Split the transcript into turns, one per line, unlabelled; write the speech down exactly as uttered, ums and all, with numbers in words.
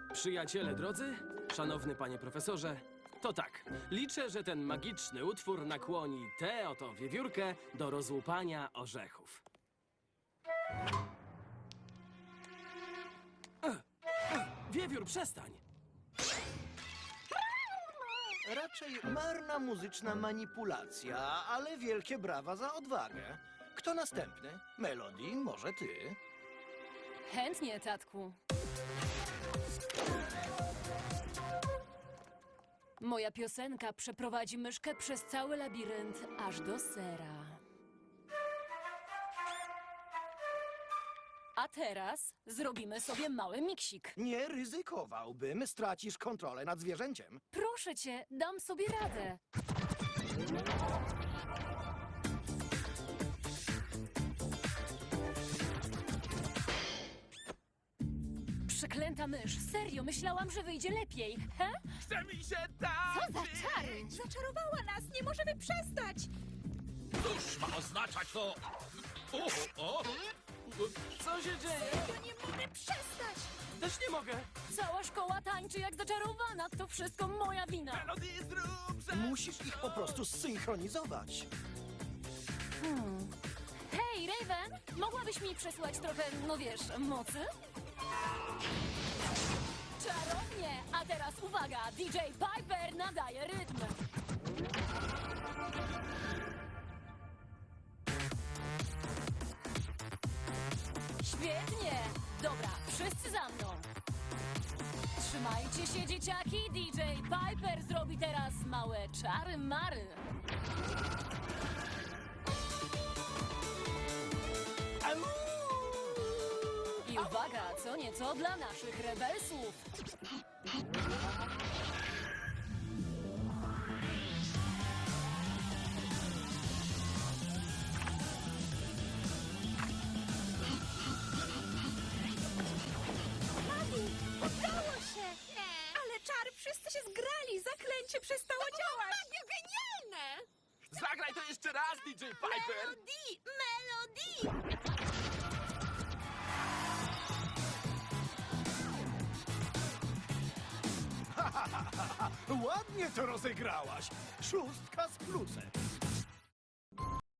Przyjaciele drodzy, szanowny panie profesorze, to tak, liczę, że ten magiczny utwór nakłoni tę oto wiewiórkę do rozłupania orzechów. Ech, ech, Wiewiór, przestań!
Raczej marna muzyczna manipulacja, ale wielkie brawa za odwagę. Kto następny? Melody, może ty?
Chętnie, tatku. Moja piosenka przeprowadzi myszkę przez cały labirynt, aż do sera. A teraz zrobimy sobie mały miksik.
Nie ryzykowałbym, stracisz kontrolę nad zwierzęciem.
Proszę cię, dam sobie radę. Przeklęta mysz, serio, myślałam, że wyjdzie lepiej. He?
Chce mi się
Co
tańczyć!
za czary!
Zaczarowała nas! Nie możemy przestać!
Cóż ma oznaczać to? O, o,
Co się dzieje?
Ja nie mogę przestać!
Też nie mogę!
Cała szkoła tańczy jak zaczarowana, to wszystko moja wina.
Melody, zrób, że...
Musisz ich po prostu zsynchronizować.
Hej, Raven, mogłabyś mi przesłać trochę, no wiesz, mocy? Czarownie! A teraz uwaga, D J Piper nadaje rytm. Świetnie! Dobra, wszyscy za mną. Trzymajcie się, dzieciaki, D J Piper zrobi teraz małe czary-mary. I uwaga, co nieco dla naszych rebelsów.
Udało się! Ale czar, wszyscy się zgrali! Zaklęcie przestało działać! Genialne!
Zagraj to jeszcze raz, D J Piper!
Melody! Melody!
Ładnie to rozegrałaś. Szóstka z plusem.